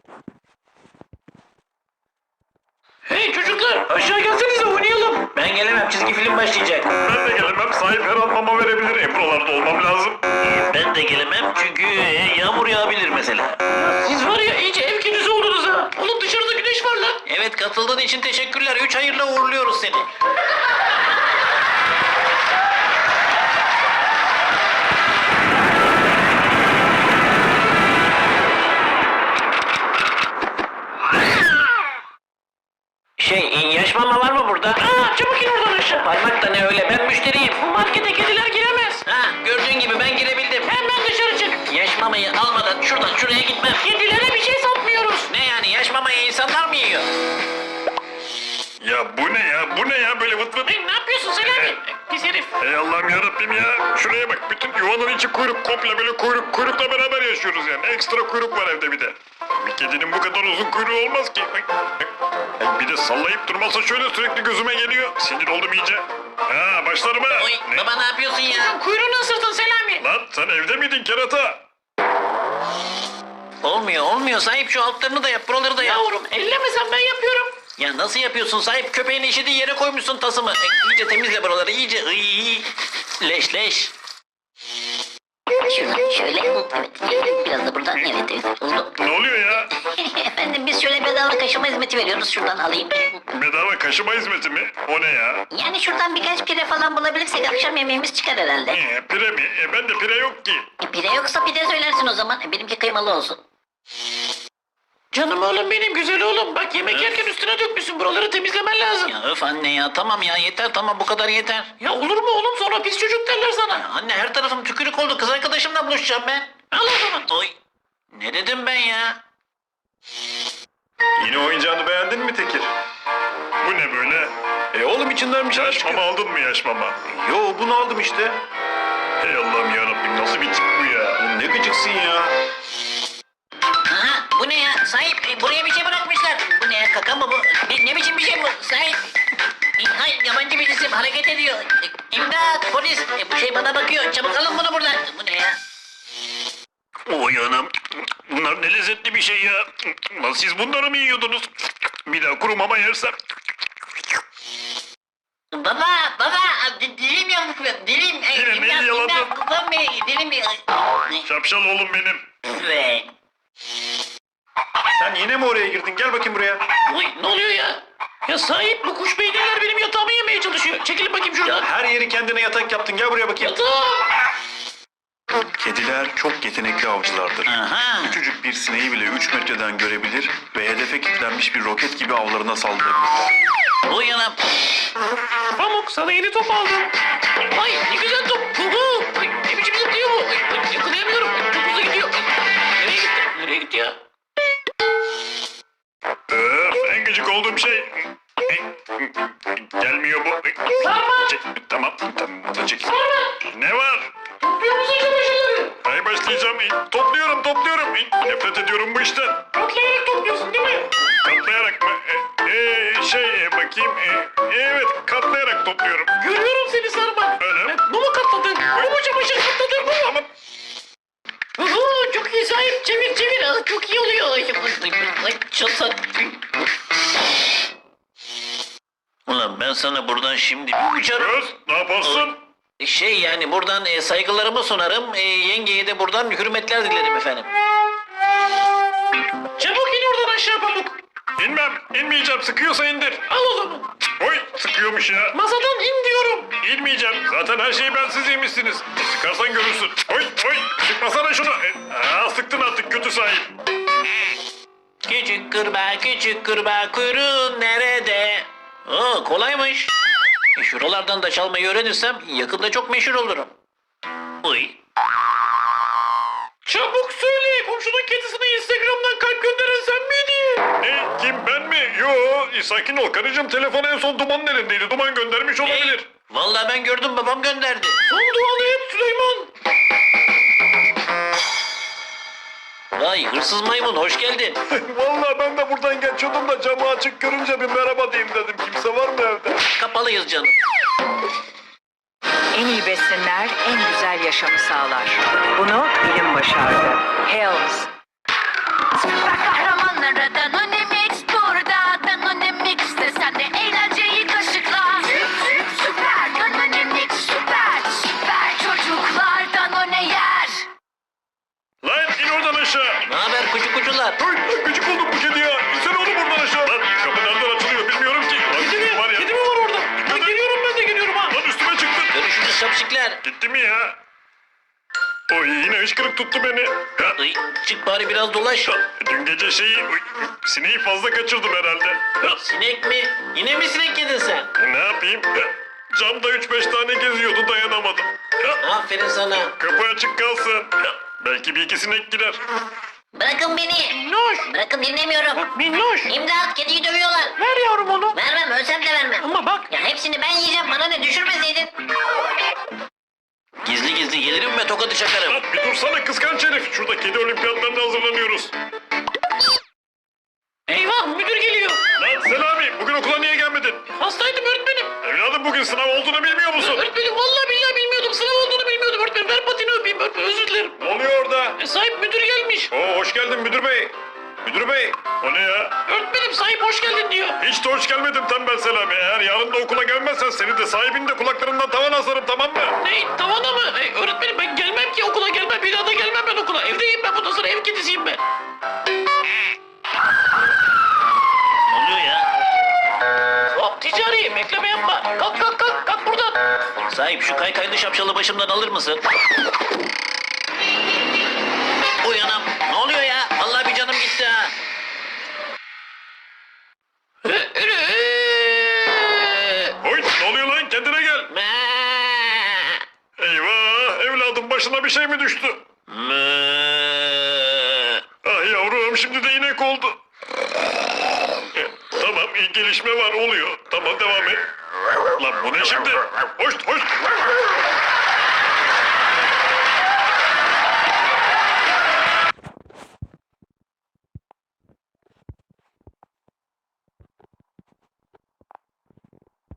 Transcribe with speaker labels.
Speaker 1: Hey çocuklar, aşağı gelsenize oynayalım. Ben gelemem, çizgi film başlayacak.
Speaker 2: Ben de gelemem. Sahip her an mama verebilir. Buralarda olmam lazım.
Speaker 1: Ben de gelemem çünkü yağmur yağabilir mesela. Siz var ya iyice ev kedisi oldunuz ha. Oğlum dışarıda güneş var lan. Evet, katıldığın için teşekkürler. 3 hayırla uğurluyoruz seni. Yaş mama var mı burada? Çabuk in oradan aşağı. Parmak da ne öyle, ben müşteriyim. Bu markete kediler giremez. Gördüğün gibi ben girebildim. Hemen dışarı çık. Yaş mamayı almadan şuradan şuraya gitmem. Kedilere bir şey satmıyoruz. Ne yani, yaş mamayı insanlar mı yiyor?
Speaker 2: Ya bu ne ya? Bu ne ya? Böyle vıt vıt.
Speaker 1: Ne yapıyorsun Selami? Pis herif.
Speaker 2: Ey Allah'ım yarabbim ya. Şuraya bak. Bütün yuvanın içi kuyruk. Komple böyle kuyrukla beraber yaşıyoruz yani. Ekstra kuyruk var evde bir de. Bir kedinin bu kadar uzun kuyruğu olmaz ki. Bir de sallayıp durmasa şöyle sürekli gözüme geliyor. Sinir oldum iyice. Başlarım ha.
Speaker 1: Oy,
Speaker 2: Ne?
Speaker 1: baba ne yapıyorsun ya? Kuyruğunu ısırdın Selami.
Speaker 2: Lan sen evde miydin kerata?
Speaker 1: Olmuyor. Sahip şu altlarını da yap, buraları da yap. Yavrum ellemesen ben yapıyorum. Ya nasıl yapıyorsun sahip? Köpeğin işediği yere koymuşsun tasımı. İyice temizle buraları, iyice. Leş.
Speaker 3: Şuradan şöyle, evet, biraz da buradan, evet, oldu.
Speaker 2: Ne oluyor ya?
Speaker 3: Efendim biz şöyle bedava kaşıma hizmeti veriyoruz, şuradan alayım.
Speaker 2: Bedava kaşıma hizmeti mi? O ne ya?
Speaker 3: Yani şuradan birkaç pire falan bulabilirsek akşam yemeğimiz çıkar herhalde.
Speaker 2: Pire mi? Bende pire yok ki.
Speaker 3: Pire yoksa pide söylersin o zaman, benimki kıymalı olsun.
Speaker 1: Canım oğlum benim, güzel oğlum. Bak yemek yerken üstüne dökmüşsün, buraları temizlemen lazım. Ya öf anne ya, tamam ya yeter, tamam bu kadar yeter. Ya olur mu oğlum, sonra pis çocuk derler sana. Ya anne her tarafım tükürük oldu, kız arkadaşımla buluşacağım ben. Al o zaman. Oy. Ne dedim ben ya?
Speaker 2: Yine oyuncağını beğendin mi Tekir? Bu ne böyle?
Speaker 4: Oğlum içindenmiş
Speaker 2: Yaş
Speaker 4: aşkım.
Speaker 2: mama aldın mı yaş mama?
Speaker 4: Yo bunu aldım işte.
Speaker 2: Hey Allah'ım yarabbim nasıl bir tip bu ya?
Speaker 4: Ne gıcıksın ya.
Speaker 3: Aha, bu ne ya? Sahip, buraya bir şey bırakmışlar. Bu ne ya, kaka mı bu? Ne biçim bir şey bu? Sahip. Hayır, yabancı bir cisim hareket ediyor. İmdat, polis. Bu şey bana bakıyor. Çabuk alın bunu buradan. Bu ne ya?
Speaker 2: Oy anam. Bunlar ne lezzetli bir şey ya. Lan siz bunları mı yiyordunuz? Bir daha kuru mama yersem.
Speaker 3: Baba, dilim yamuk, dilim.
Speaker 2: Yine neyi yaladın?
Speaker 3: Babam dilim.
Speaker 2: Şapşal oğlum benim.
Speaker 3: Ve
Speaker 4: Sen yine mi oraya girdin? Gel bakayım buraya.
Speaker 1: Oy, ne oluyor ya? Ya sahip, bu kuş beyinler benim yatağımı yemeye çalışıyor. Çekilin bakayım şuradan.
Speaker 4: Her yeri kendine yatak yaptın. Gel buraya bakayım.
Speaker 1: Yatağım.
Speaker 4: Kediler çok yetenekli avcılardır.
Speaker 1: Aha.
Speaker 4: Küçücük bir sineği bile 3 metreden görebilir ve hedefe kilitlenmiş bir roket gibi avlarına saldırabilirler.
Speaker 1: Oy anam. Pamuk, sana yeni top aldım. Ay ne güzel top. Ay, ne biçim zıplıyor bu? Ay, yakalayamıyorum. Çok hızlı gidiyor. Nereye gitti? Nereye gitti ya?
Speaker 2: En gıcık olduğum şey. Gelmiyor bu.
Speaker 1: Sarma.
Speaker 2: Tamam bu da çek.
Speaker 1: Sarma.
Speaker 2: Ne var?
Speaker 1: Topluyor musun çamaşırları?
Speaker 2: Ay başlayacağım. Topluyorum. Nefret ediyorum bu işten.
Speaker 1: Katlayarak topluyorsun değil mi?
Speaker 2: Katlayarak mı? Bakayım. Evet katlayarak topluyorum.
Speaker 1: Görüyorum seni Sarma.
Speaker 2: Öyle.
Speaker 1: Bu mu katladın? Bu mu çamaşır katladın? Bu mu?
Speaker 2: Ama
Speaker 1: Çok iyi sahip. Çevir. Çok iyi oluyor. Ay çatak. Ulan ben sana buradan şimdi bir uçarım.
Speaker 2: Göz ne yaparsın?
Speaker 1: Yani buradan saygılarımı sunarım. Yengeye de buradan hürmetler dilerim efendim. Çabuk in oradan aşağı Pamuk.
Speaker 2: İnmeyeceğim. Sıkıyorsa indir.
Speaker 1: Al o zaman.
Speaker 2: Oy sıkıyormuş ya.
Speaker 1: Masadan in diyorum.
Speaker 2: İnmeyeceğim. Zaten her şeyi bensiz yemişsiniz. Sıkarsan görürsün. Oy sıkmasana şunu. Sıktın artık kötü sahip.
Speaker 1: Küçük kırbağa kuyruğun nerede? Kolaymış. Şuralardan da çalmayı öğrenirsem yakında çok meşhur olurum. Uy. Çabuk söyle, komşunun kedisine Instagram'dan kalp gönderen sen miydin?
Speaker 2: Ne? Kim ben mi? Yo sakin ol karıcığım. Telefon en son Duman'ın elindeydi. Duman göndermiş olabilir.
Speaker 1: Vallahi ben gördüm, babam gönderdi. Son duanı et Süleyman. Vay hırsız maymun, hoş geldin.
Speaker 2: Vallahi ben de buradan geçiyordum da camı açık görünce bir merhaba diyeyim dedim. Kimse var mı evde?
Speaker 1: Kapalıyız canım.
Speaker 5: En iyi besinler en güzel yaşamı sağlar. Bunu bilim başardı. Hells. Süper kahraman
Speaker 2: aşağı.
Speaker 1: Ne haber kucu kucular?
Speaker 2: Oy, gıcık oldum bu kedi ya. İnsene oğlum buradan aşağı. Lan kapı nereden açılıyor bilmiyorum ki. Lan kedi var ya.
Speaker 1: Kedi mi var orada? Ben geliyorum, ben de geliyorum ha.
Speaker 2: Lan üstüme çıktın.
Speaker 1: Görüşürüz şapşikler.
Speaker 2: Gitti mi ya? Oy yine hıçkırık tuttu beni. Ha,
Speaker 1: Ay, çık bari biraz dolaş.
Speaker 2: dün gece sineği fazla kaçırdım herhalde. Ha,
Speaker 1: Sinek mi? Yine mi sinek yedin sen?
Speaker 2: ne yapayım? Ha, camda 3-5 tane geziyordu dayanamadım. Ha,
Speaker 1: Aferin sana.
Speaker 2: kapı açık kalsın. Ha, belki bir iki sinek girer.
Speaker 3: Bırakın beni.
Speaker 1: Minnoş.
Speaker 3: Bırakın dinlemiyorum.
Speaker 1: Minnoş.
Speaker 3: İmdat kediyi dövüyorlar.
Speaker 1: Ver yavrum onu.
Speaker 3: Vermem ölsem de vermem.
Speaker 1: Ama bak.
Speaker 3: Ya hepsini ben yiyeceğim bana ne düşürmeseydin.
Speaker 1: Gizli gizli gelirim ve tokadı çakarım.
Speaker 2: Lan bir dursana kıskanç herif. Şurada kedi olimpiyatlarına hazırlanıyoruz.
Speaker 1: Eyvah, müdür geliyor.
Speaker 2: Lan Selami bugün okula niye gelmedin?
Speaker 1: Hastaydım öğretmenim.
Speaker 2: Evladım bugün sınav olduğunu bilmiyor musun?
Speaker 1: Öğretmenim vallahi billahi bilmiyordum. Sınav olduğunu bilmiyordum öğretmenim. Ver patini öpeyim öğretmenim. Özür dilerim.
Speaker 2: Ne oluyor orada?
Speaker 1: Sahip müdür gelmiş.
Speaker 2: Oo, hoş geldin müdür bey. Müdür bey. O ne ya?
Speaker 1: Öğretmenim sahip hoş geldin diyor.
Speaker 2: Hiç de hoş gelmedim tembel Selami. Eğer yarın da okula gelmezsen seni de sahibini de kulaklarından tavan asarım tamam mı?
Speaker 1: Ne? Tavana mı? Öğretmenim ben gelmem ki okula gelmem. Bir daha da gelmem ben okula. Evdeyim ben bundan sonra ev kedisiyim ben. Ne oluyor ya? Hop ticari bekleme yapma. Kalk kalk kalk kalk buradan. Sahip şu kaykaylı şapşalı başımdan alır mısın? Uyanam. Ne oluyor ya? Vallahi bir canım gitti ha.
Speaker 2: Oy ne oluyor lan kendine gel. Eyvah evladım başına bir şey mi düştü? Ah yavrum şimdi de inek oldu. Tamam iyi gelişme var oluyor. Tamam devam et. Lan bu ne şimdi? Hoş hoş.